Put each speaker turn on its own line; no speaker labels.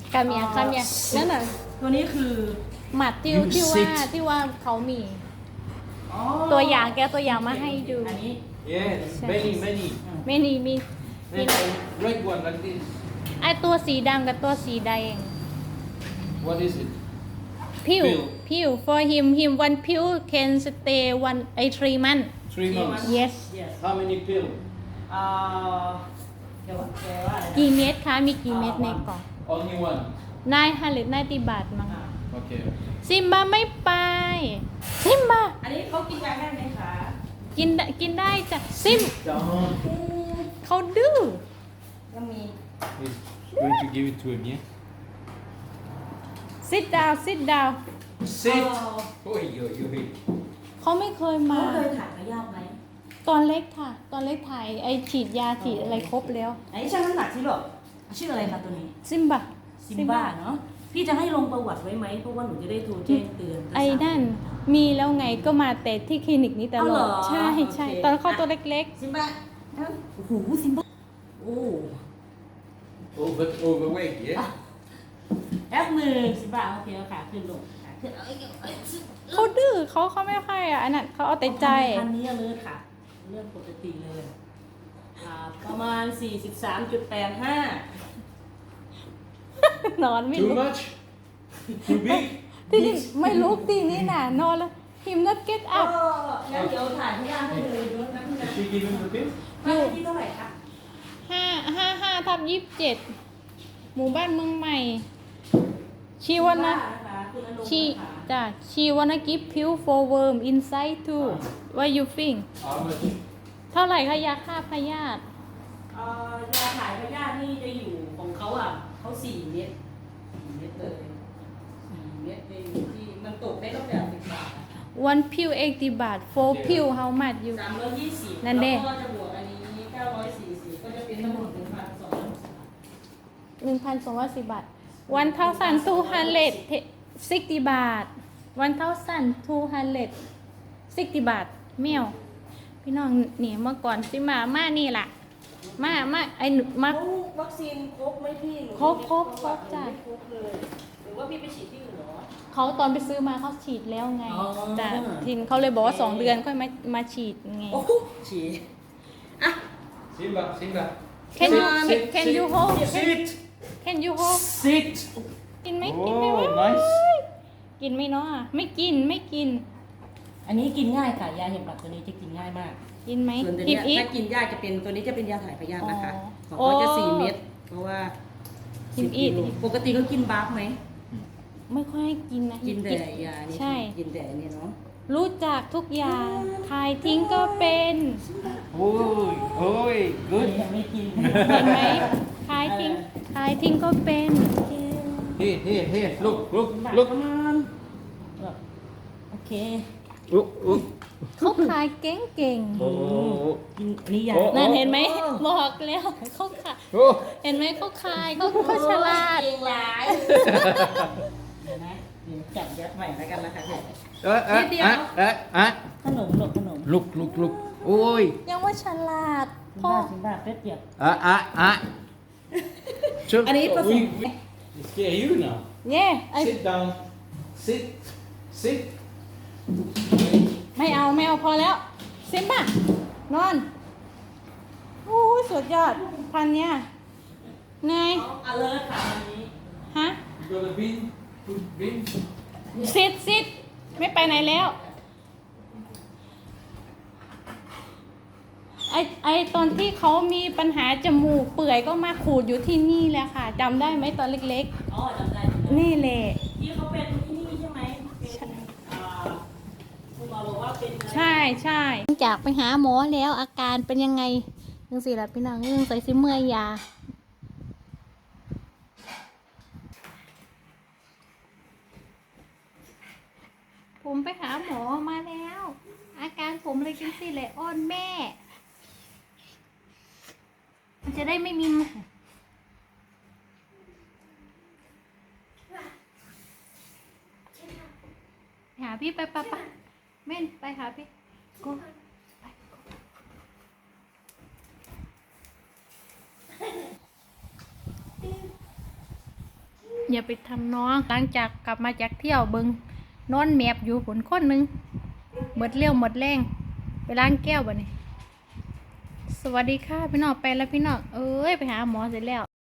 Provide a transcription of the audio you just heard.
กาเมียนั่นน่ะ
ตัวนี้คือ
หมัดที่ว่าเขามีตัวอย่างแกตัวอย่างมาให้ดู
อันนี้
Yes, many.
ไม่มี
Then a red one like this.
ไอตัวสีดำกับตัวสีแดง
What is it?
พิว for him one pill can stay 3 months
3 months.
yes
yes
How many pill?
เดี๋ยวแกว่าอะไรนะ
กี่เม็ดคะมีกี่เม็ดในกล่อง
Only one.
990 บาทมั้ง
Okay.
ซิมบาไม่ไปซิมบา
อันนี้เขากินยาได้ไหมคะ
กินได้จ้ะซิม
Down.
เขาดื้อ
ยังมี
He's going to give it to him, yeah?
sit down
Sit.
Oh.
Oi, oi, oi.
เขาไม่เคย
เขา
มา
เคยถ่ายพยาธิไหม
ตอนเล็กค่ะ ตอนเล็กถ่ายไอฉีดยาฉีดอะไรครบแล้ว
อันนี้ช่างน้ำหนักที่หรอชื่ออะไรคะตัวนี้
ซิมบา
ซิมบ้าเนาะพี่จะให้ลงประวัติไว้ไหมเพราะว่าหนูจะได้โทรแจ้งเตือน
ไอ้นั่นมีแล้วไงก็มาแต่ที่คลินิกนี้ตลอด ใช่
โอเค
ตอนเขาตัวเล็ก
ซิมบ้าโอ้โหซิมบ้าโอ้
Overweight, yeah?
แอปมือซิมบ้าโอเคเอาขาขึ้นลงขาขึ้นเอา
ๆเขาดื้อเขาไม่ค่อยอ่ะอันนั้นเขาเอาแต่ใจ
คันนี้เลยค่ะเรื่องปกติเลยประมาณ 43.85
นอนไม่
Too
ลุก
much? Too big?
ที่นี่ไม่ลุกตีนี้น่ะนอนแล้วหิม not get
ก็
up
งั้นเดี๋ยวถ่ายพยาธิให้เลยด้วยนะพี่นะ
Is she giving the pill?
บ้านเลขที่เท่าไหร่คะ
555/27หมู่บ้านเมืองใหม่ชีวันนะ
คุณอนุ
she wanna give pill for worm inside too what you think
How much?
เท่าไหร่คะยาฆ่าพยาธิ
ยาถ่ายพยาธินี่จะอยู่ของเขาเขา4 เม็ด4 เม็ดเลย4 เม็ดเลยที่มันตกได้ตั้งแต่10 บาท
one pill 80 บาท four pill how much you
320
นั่นเด้
แล้วก็จะบวกอันนี้940ก็จะเป็นทั้งหมด
1,210 บาท 1,260 บาท 1,260 บาทแมวพี่น้องนี่เมื่อก่อนสิมานี่ล่ะมาไอ้หนูมา
วัคซีนครบไหมพี่หรือ
ครบจ้ะ
ไม่ครบเลยหรือว่าพี่ไปฉีดที่อื่นเหรอ
เขาตอนไปซื้อมาเขาฉีดแล้วไง
อ๋อ
แต่ทินเขาเลยบอกว่า2 เดือนค่อยมาฉีดไง
โอ้โหฉีดอ่ะ
Simba.
Can you
Sit,
can
sit,
you hold
Sit.
Can you hold
Sit.
กินไหม
Oh,
กินไหมวะ
nice.
กินไหมเนาะไม่กิน
อันนี้กินง่ายค่ะยาเห็บหมัดตัวนี้จะกินง่ายมาก
กินไหม
ส่วนตัว
กิ
เนี้
น
ย
อีก
ถ้ากินยาจะเป็นตัวนี้จะเป็นยาถ่ายพยาธินะคะ
อ๋อ
ของเขาจะ
โอ้
4 เม็ดเพราะว่า
กิน
10
อีก
โลปกติเขากินบาร์กไหม
ไม่ค่อยให้กินนะ
กินแต่ยานี่
ใช่
กินแต่อันนี่เนาะ
รู้จักทุกอย่างทายทิ้งก็เป็น
Oi,
อัน
good.
นี้ยังไม่กิน
เห็นไหมทายทิ้งก็เป็น
Here. Look.
ประมาณโอเค
Look.
เขาขายเก่ง
กินอันนี้ยา
โอ้
ๆนั่นเห็นไหมบอกแล้วเขาขาย
Oh.
เห็นไหมเขาขายเขาฉลาด
เก่งหลายเห็นไหมเดี๋ยวจับยัดใหม่แล้วกันนะคะขนม
Look. Oi.
ยังว่าฉลาด
สิ
พ่อ
บ้าเป็ดเปียก
Should-
Are you
we scare you now.
เย่ไอ
Sit down. Sit.
ไม่เอาพอแล้วซิมป่ะนอนโอ้ยสุดยอดพันเนี้ยไง
เอาเลยค่ะอันนี้
ฮะ
You got a bin? Good bin?
ซิดไม่ไปไหนแล้วไอตอนที่เขามีปัญหาจมูกเปื่อยก็มาขูดอยู่ที่นี่แหละค่ะจำได้ไหมตอนเล็ก
อ๋อจำได้
ๆ นี่แหละ
ที่เขาเป็นที่นี่ใช่ไหมเป็นคุณหมอบอกว่าเป็นอะไร
ใช่จากไปหาหมอแล้วอาการเป็นยังไงยังสิล่ะพี่น้องยังใส่ซิเมื่อยยาผมไปหาหมอมาแล้ว อาการผมเลยกินสิเลยอ้อนแม่ มันจะได้ไม่มีหาพี่ไปเม่นไปหาพี่go อย่าไปทำน้องหลังจากกลับมาจากเที่ยวเบิงนอนแมบอยู่ผลคนหนึ่งหมดเรี่ยวหมดแรงไปล้างแก้วบ่นี่สวัสดีค่ะพี่น้องไปแล้วพี่น้องเอ้ยไปหาหมอเสร็จแล้ว